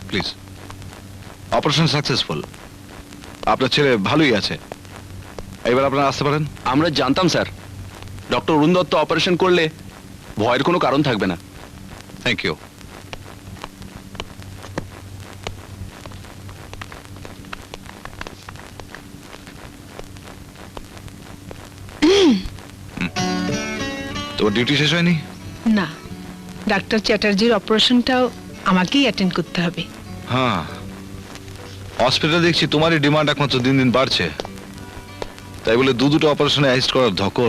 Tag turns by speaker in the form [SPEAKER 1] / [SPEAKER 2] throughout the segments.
[SPEAKER 1] Please. Operation successful, আপনার ছেলে ভালোই আছে, এবার আপনারা আসতে পারেন।
[SPEAKER 2] আমরা জানতাম sir, doctor Arun Dutta operation করলে ভয়ের কোনো কারণ থাকবে না।
[SPEAKER 1] Thank you. তোমার ডিউটি শেষ হয়নি?
[SPEAKER 3] না, ডাক্তার চ্যাটার্জির অপারেশনটাও আমাকেই অ্যাটেন্ড করতে হবে।
[SPEAKER 1] হ্যাঁ, হসপিটালে দেখছি তোমারই ডিমান্ড একমাত্র দিন দিন বাড়ছে, তাই বলে দুটো অপারেশনে অ্যাসিস্ট করার ধকল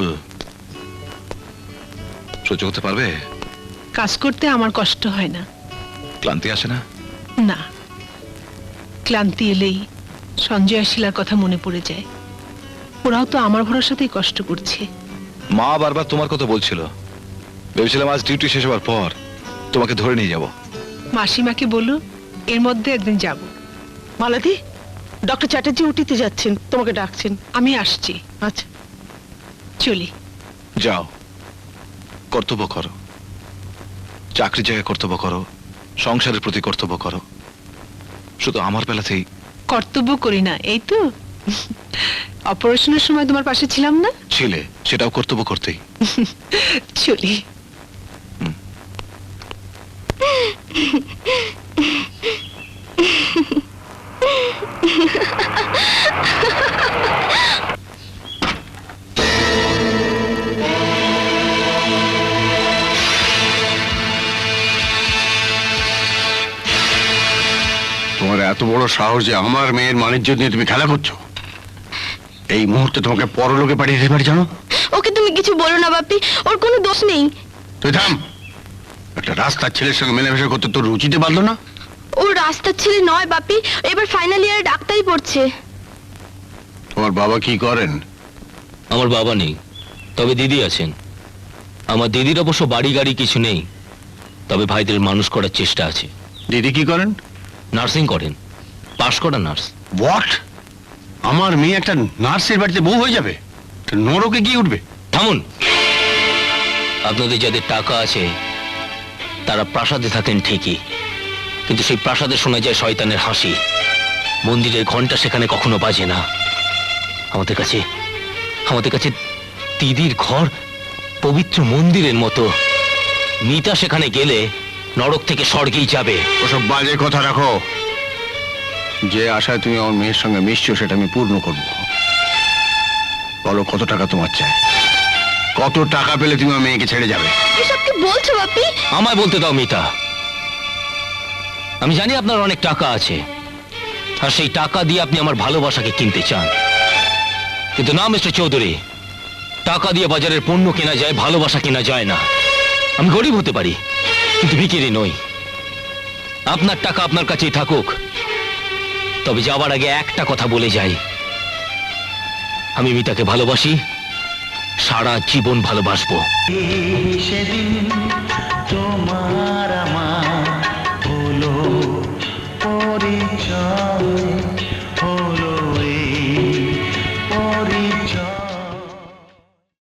[SPEAKER 1] সহ্য করতে পারবে?
[SPEAKER 3] কাজ করতে আমার কষ্ট হয় না।
[SPEAKER 1] ক্লান্তি আসে না?
[SPEAKER 3] না, ক্লান্তি এলেই সঞ্জয় আর শিলার কথা মনে পড়ে যায়। ওরাও তো আমার ভরসাতেই কষ্ট করছে।
[SPEAKER 1] মা বারবার তোমার কথা বলছিল, ভেবেছিলাম আজ ডিউটি শেষ হওয়ার পর তোমাকে ধরে নিয়ে যাব।
[SPEAKER 3] মাসিমাকে বলো এর মধ্যে একদিন যাব।
[SPEAKER 4] মালাদি, ডক্টর চ্যাটার্জি উঠিতে যাচ্ছেন, তোমাকে ডাকছেন।
[SPEAKER 3] আমি আসছি।
[SPEAKER 4] আচ্ছা,
[SPEAKER 3] চলি।
[SPEAKER 1] যাও, কর্তব্য করো, চাকরির জায়গায় কর্তব্য করো, সংসারের প্রতি কর্তব্য করো। শুধু আমার বেলাতেই
[SPEAKER 3] কর্তব্য করি না এই তো। অপারেশনের সময় তোমার পাশে ছিলাম না?
[SPEAKER 1] ছিলে, সেটাও কর্তব্য করতেই।
[SPEAKER 3] চলি।
[SPEAKER 5] তোমার এত বড় সাহস যে আমার মেয়ের মানিজ্য নিয়ে তুমি খেলা করছো? এই মুহূর্তে তোমাকে পরলোকে পাঠিয়ে দিতে পারি জানো?
[SPEAKER 6] ওকে তুমি কিছু বলো না বাপি, ওর কোনো দোষ নেই।
[SPEAKER 5] তুই থাম। একটা রাস্তার ছেলের সঙ্গে মেলামেশা করতে তোর রুচিতে পারলো না?
[SPEAKER 6] ও রাস্তার ছেলে নয় বাপি, এবার ফাইনাল ইয়ারে ডাক্তারি পড়ছে।
[SPEAKER 5] তোমার বাবা কি করেন?
[SPEAKER 7] আমার বাবা নেই, তবে দিদি আছেন। আমার দিদির অবশ্য বাড়ি গাড়ি কিছু নেই, তবে ভাইদের মানুষ করার চেষ্টা আছে।
[SPEAKER 5] দিদি কি করেন?
[SPEAKER 7] নার্সিং করেন, পাশ করা নার্স।
[SPEAKER 5] হোয়াট? আমার মেয়ে একটা নার্সের বাড়িতে বউ হয়ে যাবে? নরকে গিয়ে উঠবে।
[SPEAKER 7] থামুন। আপনাদের যাদের টাকা আছে তারা প্রাসাদে থাকেন ঠিকই, কিন্তু সেই প্রাসাদে শোনা যায় শয়তানের হাসি। মন্দিরের ঘন্টা সেখানে কখনো বাজে না। আমাদের কাছে দিদির ঘর পবিত্র মন্দিরের মতো। মিতা সেখানে গেলে নরক থেকে স্বর্গেই যাবে।
[SPEAKER 5] ওসব বাজে কথা রাখো। যে আশায় তুমি আমার মেয়ের সঙ্গে মিশছো সেটা আমি পূর্ণ করব। বলো কত টাকা তোমার চাই? কত টাকা পেলে তুমি আমার মেয়েকে ছেড়ে যাবে?
[SPEAKER 6] এসব কি বলছো বাপি?
[SPEAKER 7] আমায় বলতে দাও মিতা। আমি জানি আপনার অনেক টাকা আছে, আর সেই টাকা দিয়ে আপনি আমার ভালোবাসাকে কিনতে চান, কিন্তু না মিস্টার চৌধুরী, টাকা দিয়ে বাজারের পণ্য কেনা যায়, ভালোবাসা কেনা যায় না। আমি গরিব হতে পারি, কিন্তু ভিখিরি নই। আপনার টাকা আপনার কাছেই থাকুক, তবে যাবার আগে একটা কথা বলে যাই, আমি মিতাকে ভালোবাসি, সারা জীবন ভালোবাসবো।
[SPEAKER 8] সেদিন